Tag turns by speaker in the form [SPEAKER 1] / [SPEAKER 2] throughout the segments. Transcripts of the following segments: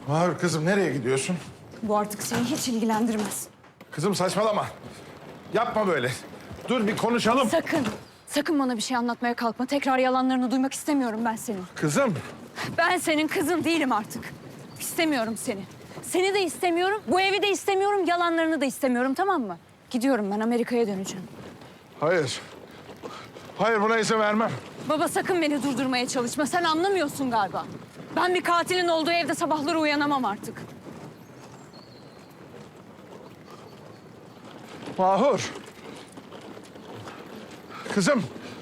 [SPEAKER 1] Mahur kızım nereye gidiyorsun?
[SPEAKER 2] Bu artık seni hiç ilgilendirmez.
[SPEAKER 1] Kızım saçmalama. Yapma böyle. Dur bir konuşalım.
[SPEAKER 2] Sakın, sakın bana bir şey anlatmaya kalkma. Tekrar yalanlarını duymak istemiyorum ben senin.
[SPEAKER 1] Kızım.
[SPEAKER 2] Ben senin kızın değilim artık. İstemiyorum seni. Seni de istemiyorum, bu evi de istemiyorum, yalanlarını da istemiyorum, tamam mı? Gidiyorum ben, Amerika'ya döneceğim.
[SPEAKER 1] Hayır. Hayır buna izin vermem.
[SPEAKER 2] Baba sakın beni durdurmaya çalışma. Sen anlamıyorsun galiba. Ben bir katilin olduğu evde sabahları uyanamam artık.
[SPEAKER 1] Mahur. Kızım.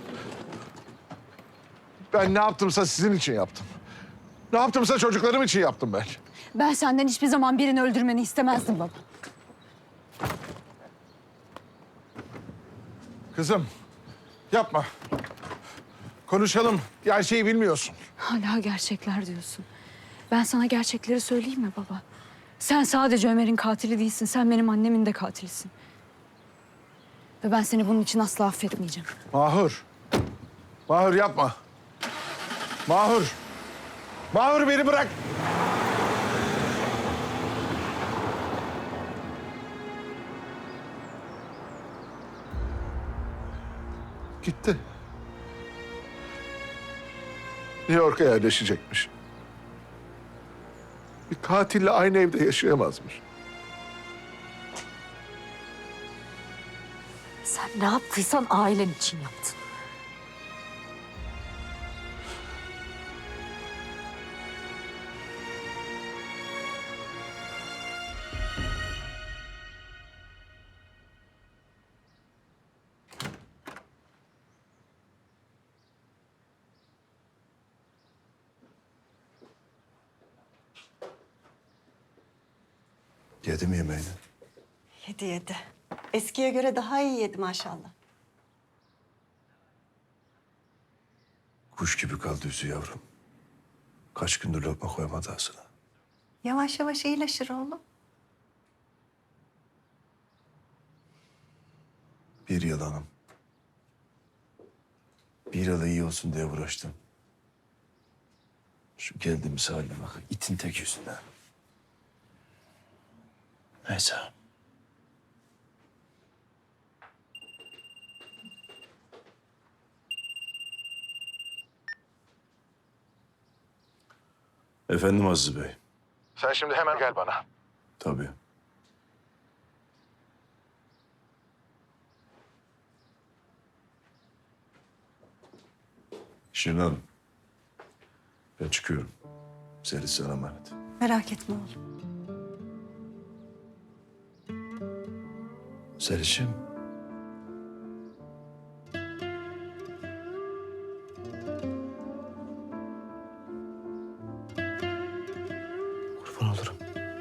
[SPEAKER 1] Ben ne yaptımsa sizin için yaptım. Ne yaptımsa çocuklarım için yaptım ben.
[SPEAKER 2] Ben senden hiçbir zaman birini öldürmeni istemezdim baba.
[SPEAKER 1] Kızım. Yapma. Konuşalım. Gerçeği bilmiyorsun.
[SPEAKER 2] Hala gerçekler diyorsun. Ben sana gerçekleri söyleyeyim mi baba? Sen sadece Ömer'in katili değilsin. Sen benim annemin de katilisin. Ve ben seni bunun için asla affetmeyeceğim.
[SPEAKER 1] Mahur. Mahur yapma. Mahur. Mahur beni bırak. Gitti. New York'a yerleşecekmiş. Bir katille aynı evde yaşayamazmış.
[SPEAKER 3] Sen ne yaptıysan ailen için yaptın.
[SPEAKER 4] Yedi mi yemeğini?
[SPEAKER 5] Yedi yedi. Eskiye göre daha iyi yedi maşallah.
[SPEAKER 4] Kuş gibi kaldı yüzü yavrum. Kaç gündür lokma koymadı ağzına.
[SPEAKER 5] Yavaş yavaş iyileşir oğlum.
[SPEAKER 4] Bir yalanım. Bir yıla iyi olsun diye uğraştım. Şu geldiğimiz haline bak. İtin tek yüzünden. Neyse. Efendim Aziz Bey.
[SPEAKER 1] Sen şimdi hemen gel bana.
[SPEAKER 4] Tabii. Şirin Hanım. Ben çıkıyorum. Seni sana emanet.
[SPEAKER 5] Merak etme oğlum.
[SPEAKER 4] Zeliş'im. Kurban olurum.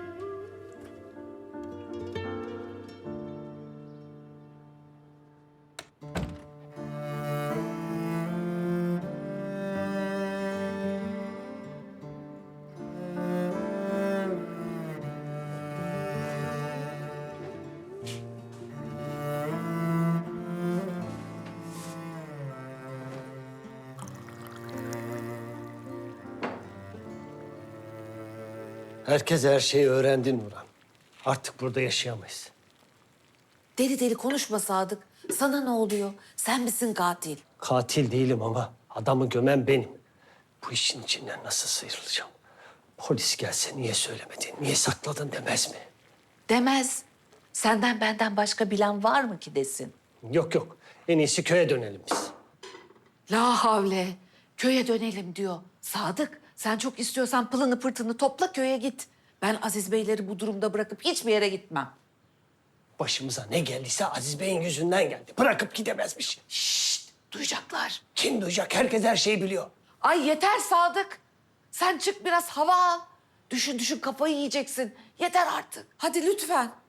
[SPEAKER 6] Herkes her şeyi öğrendi Nurhan. Artık burada yaşayamayız.
[SPEAKER 3] Deli deli konuşma Sadık. Sana ne oluyor? Sen misin katil?
[SPEAKER 6] Katil değilim ama adamı gömen benim. Bu işin içinden nasıl sıyrılacağım? Polis gelse niye söylemedin, niye sakladın demez mi?
[SPEAKER 3] Demez. Senden benden başka bilen var mı ki desin?
[SPEAKER 6] Yok yok, en iyisi köye dönelim biz.
[SPEAKER 3] La havle. Köye dönelim diyor. Sadık, sen çok istiyorsan pılını pırtını topla köye git. Ben Aziz Beyleri bu durumda bırakıp hiçbir yere gitmem.
[SPEAKER 6] Başımıza ne geldiyse Aziz Bey'in yüzünden geldi. Bırakıp gidemezmiş.
[SPEAKER 3] Şşt, duyacaklar.
[SPEAKER 6] Kim duyacak? Herkes her şeyi biliyor.
[SPEAKER 3] Ay yeter Sadık. Sen çık biraz hava al. Düşün düşün kafayı yiyeceksin. Yeter artık. Hadi lütfen.